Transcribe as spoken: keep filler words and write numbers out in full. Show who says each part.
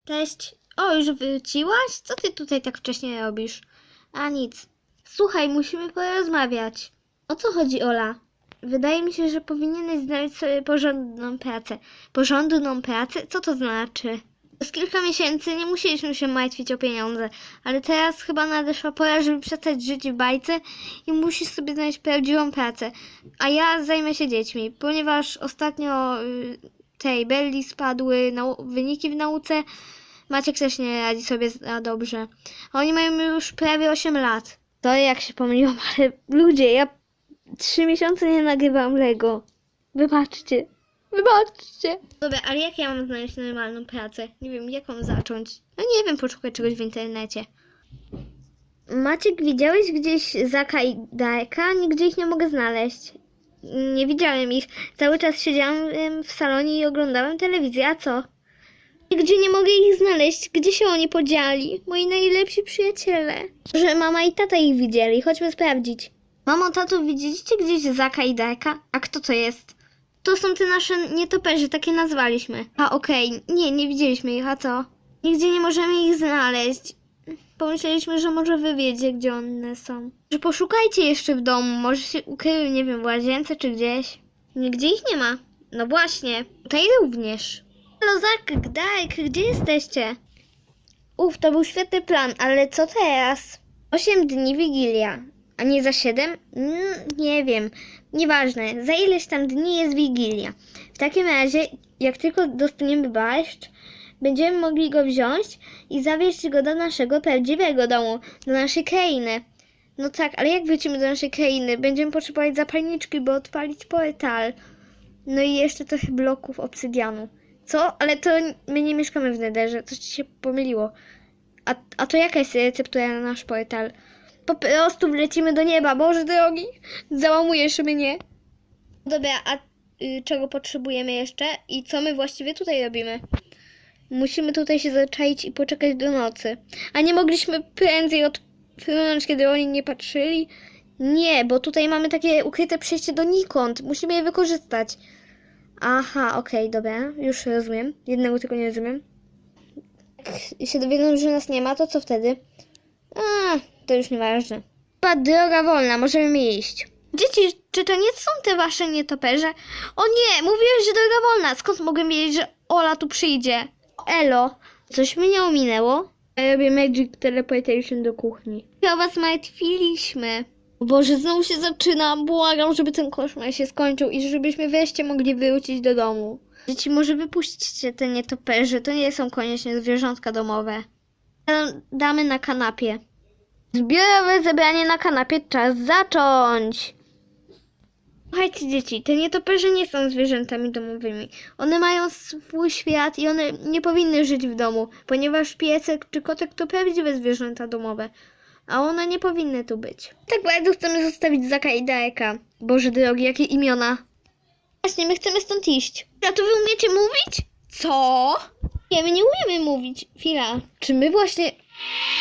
Speaker 1: Cześć. O, już wróciłaś? Co ty tutaj tak wcześnie robisz? A nic. Słuchaj, musimy porozmawiać. O co chodzi, Ola? Wydaje mi się, że powinieneś znaleźć sobie porządną pracę. Porządną pracę? Co to znaczy? Przez kilka miesięcy nie musieliśmy się martwić o pieniądze, ale teraz chyba nadeszła pora, żeby przestać żyć w bajce i musisz sobie znaleźć prawdziwą pracę. A ja zajmę się dziećmi, ponieważ ostatnio y, tej Belli spadły nau- wyniki w nauce. Maciek też nie radzi sobie za dobrze. Oni mają już prawie osiem lat. To jak się pomyliłam, ale ludzie, ja trzy miesiące nie nagrywam Lego. Wybaczcie. Wybaczcie. Dobra, ale jak ja mam znaleźć normalną pracę? Nie wiem, jaką zacząć. No nie wiem, poszukać czegoś w internecie. Maciek, widziałeś gdzieś Zaka i Darka? Nigdzie ich nie mogę znaleźć. Nie widziałem ich. Cały czas siedziałam w salonie i oglądałem telewizję, a co? Nigdzie nie mogę ich znaleźć. Gdzie się oni podzieli? Moi najlepsi przyjaciele. Że mama i tata ich widzieli. Chodźmy sprawdzić. Mamo, tato, widzieliście gdzieś Zaka i Darka? A kto to jest? To są te nasze nietoperze, takie nazwaliśmy. A okej, okay. nie, nie widzieliśmy ich, a co? Nigdzie nie możemy ich znaleźć. Pomyśleliśmy, że może wy wiecie, gdzie one są. Że poszukajcie jeszcze w domu, może się ukryły, nie wiem, w łazience czy gdzieś. Nigdzie ich nie ma. No właśnie, tutaj również. Halo, Zak, Dark, gdzie jesteście? Uf, to był świetny plan, ale co teraz? Osiem dni Wigilia. A nie za siedem? Mm, nie wiem. Nieważne. Za ileś tam dni jest Wigilia. W takim razie, jak tylko dostaniemy barszcz, będziemy mogli go wziąć i zawieźć go do naszego prawdziwego domu, do naszej krainy. No tak, ale jak wrócimy do naszej krainy? Będziemy potrzebować zapalniczki, by odpalić portal. No i jeszcze trochę bloków obsydianu. Co? Ale to my nie mieszkamy w Netherze. Coś ci się pomyliło. A, a to jaka jest receptura na nasz portal? Po prostu wlecimy do nieba, Boże drogi, załamujesz mnie. Dobra, a y, czego potrzebujemy jeszcze? I co my właściwie tutaj robimy? Musimy tutaj się zaczaić i poczekać do nocy. A nie mogliśmy prędzej odpłynąć, kiedy oni nie patrzyli? Nie, bo tutaj mamy takie ukryte przejście donikąd. Musimy je wykorzystać. Aha, okej, okay, dobra, już rozumiem. Jednego tylko nie rozumiem. Jak się dowiedzą, że nas nie ma, to co wtedy? A, to już nieważne. Chyba droga wolna, możemy iść. Dzieci, czy to nie są te wasze nietoperze? O nie, mówiłeś, że droga wolna. Skąd mogę wiedzieć, że Ola tu przyjdzie? Elo, coś mnie nie ominęło? Ja robię Magic Teleportation do kuchni. Ja o was martwiliśmy. O Boże, znowu się zaczyna. Błagam, żeby ten koszmar się skończył i żebyśmy wreszcie mogli wrócić do domu. Dzieci, może wypuśćcie te nietoperze. To nie są koniecznie zwierzątka domowe. Damy na kanapie. Zbiorowe zebranie na kanapie, czas zacząć! Słuchajcie dzieci, te nietoperze nie są zwierzętami domowymi. One mają swój świat i one nie powinny żyć w domu, ponieważ piesek czy kotek to prawdziwe zwierzęta domowe. A one nie powinny tu być. Tak bardzo chcemy zostawić Zaka i Darka. Boże drogi, jakie imiona. Właśnie, my chcemy stąd iść. A to wy umiecie mówić? Co? Nie, my nie umiemy mówić. Chwila, czy my właśnie...